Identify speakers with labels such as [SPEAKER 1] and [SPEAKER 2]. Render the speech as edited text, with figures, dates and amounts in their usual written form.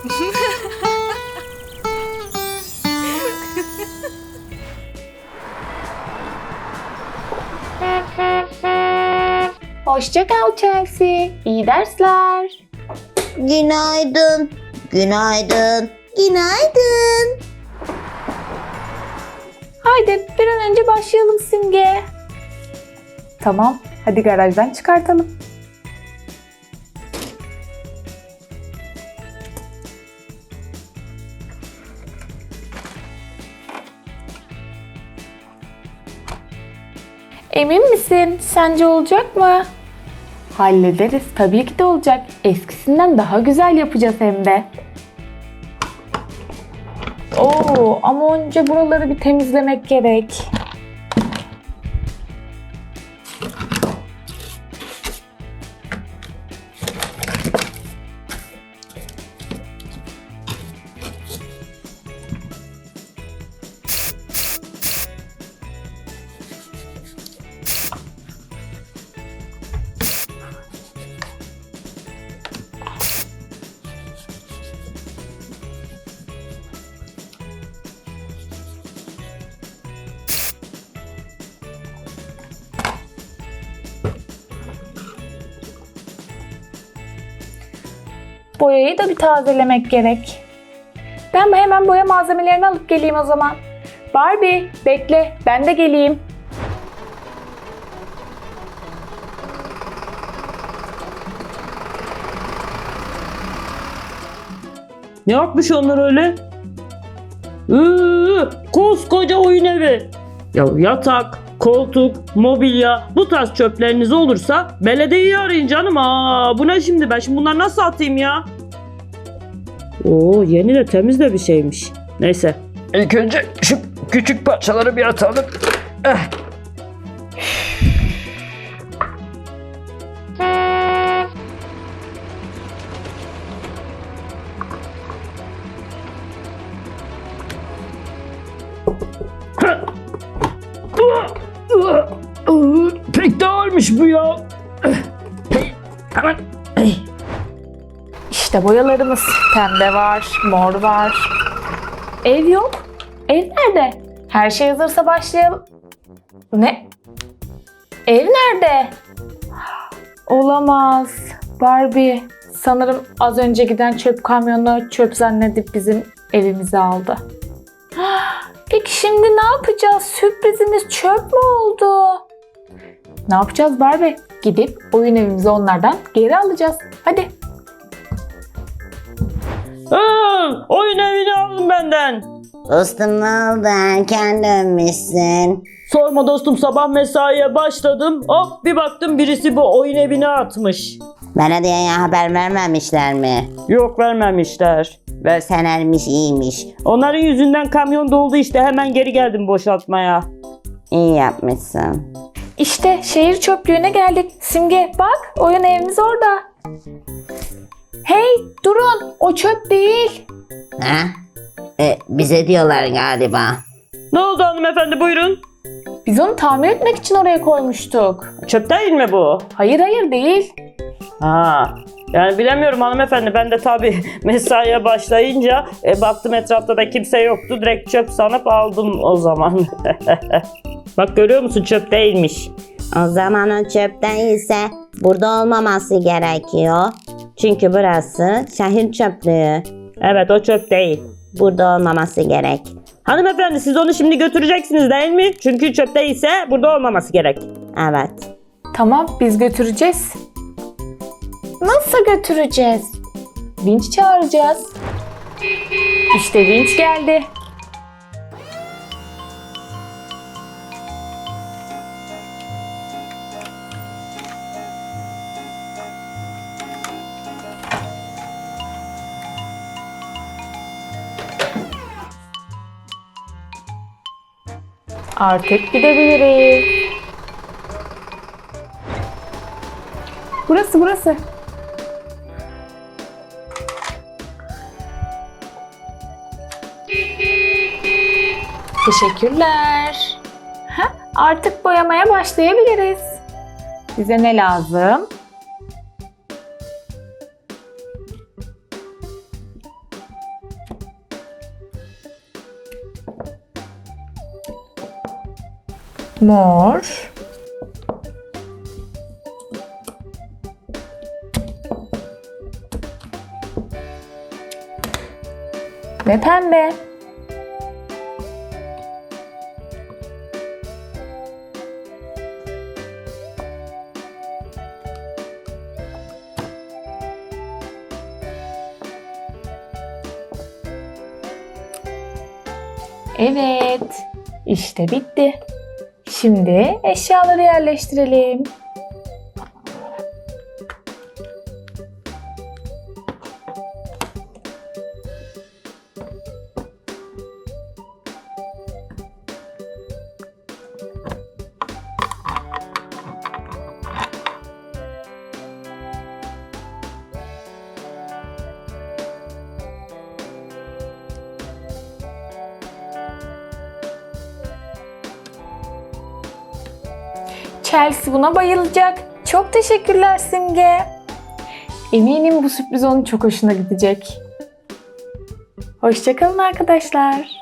[SPEAKER 1] Hoşça kal Chelsea. İyi dersler.
[SPEAKER 2] Günaydın. Günaydın. Günaydın.
[SPEAKER 1] Haydi bir an önce başlayalım Simge. Tamam, hadi garajdan çıkartalım. Emin misin? Sence olacak mı? Hallederiz. Tabii ki de olacak. Eskisinden daha güzel yapacağız hem de. Oo, ama önce buraları bir temizlemek gerek. Boyayı da bir tazelemek gerek. Ben hemen boya malzemelerini alıp geleyim o zaman. Barbie, bekle, ben de geleyim.
[SPEAKER 3] Ne yapmış onlar öyle? Koskoca oyun evi. Ya yatak, koltuk, mobilya bu tarz çöpleriniz olursa belediyeyi arayın canım. Bu ne şimdi? Ben şimdi bunları nasıl atayım ya? Oo, yeni de temiz de bir şeymiş. Neyse. İlk önce şu küçük parçaları bir atalım. Pek de ağırmış bu ya. Hemen.
[SPEAKER 1] İşte boyalarımız. Pembe var, mor var. Ev yok. Ev nerede? Her şey hazırsa başlayalım. Ne? Ev nerede? Olamaz. Barbie, sanırım az önce giden çöp kamyonu çöp zannedip bizim evimizi aldı. Peki şimdi ne yapacağız? Sürprizimiz çöp mü oldu? Ne yapacağız Barbie? Gidip oyun evimizi onlardan geri alacağız. Hadi.
[SPEAKER 3] Oyun evini aldın benden.
[SPEAKER 2] Dostum ne oldu? Erken dönmüşsün.
[SPEAKER 3] Sorma dostum, sabah mesaiye başladım. Hop bir baktım birisi bu oyun evine atmış.
[SPEAKER 2] Belediyeye haber vermemişler mi?
[SPEAKER 3] Yok, vermemişler.
[SPEAKER 2] Verselermiş iyiymiş.
[SPEAKER 3] Onların yüzünden kamyon doldu işte, hemen geri geldim boşaltmaya.
[SPEAKER 2] İyi yapmışsın.
[SPEAKER 1] İşte şehir çöplüğüne geldik. Simge bak, oyun evimiz orada. Hey durun, o çöp değil.
[SPEAKER 2] Ha? Bize diyorlar galiba.
[SPEAKER 3] Ne oldu hanımefendi, buyurun.
[SPEAKER 1] Biz onu tamir etmek için oraya koymuştuk.
[SPEAKER 3] Çöp değil mi bu?
[SPEAKER 1] Hayır değil.
[SPEAKER 3] Yani bilemiyorum hanımefendi, ben de tabii mesaiye başlayınca baktım etrafta da kimse yoktu, direkt çöp sanıp aldım o zaman. Bak görüyor musun, çöp değilmiş.
[SPEAKER 2] O zaman o çöp değilse burada olmaması gerekiyor. Çünkü burası şehir çöplüğü.
[SPEAKER 3] Evet, o çöp değil.
[SPEAKER 2] Burada olmaması gerek.
[SPEAKER 3] Hanımefendi, siz onu şimdi götüreceksiniz değil mi? Çünkü çöp değilse burada olmaması gerek.
[SPEAKER 2] Evet.
[SPEAKER 1] Tamam, biz götüreceğiz. Nasıl götüreceğiz? Vinç çağıracağız. İşte vinç geldi. Artık gidebiliriz. Burası. Teşekkürler. Artık boyamaya başlayabiliriz. Bize ne lazım? Mor. Ve pembe. Evet, işte bitti. Şimdi eşyaları yerleştirelim. Chelsea buna bayılacak. Çok teşekkürler Simge. Eminim bu sürpriz onun çok hoşuna gidecek. Hoşça kalın arkadaşlar.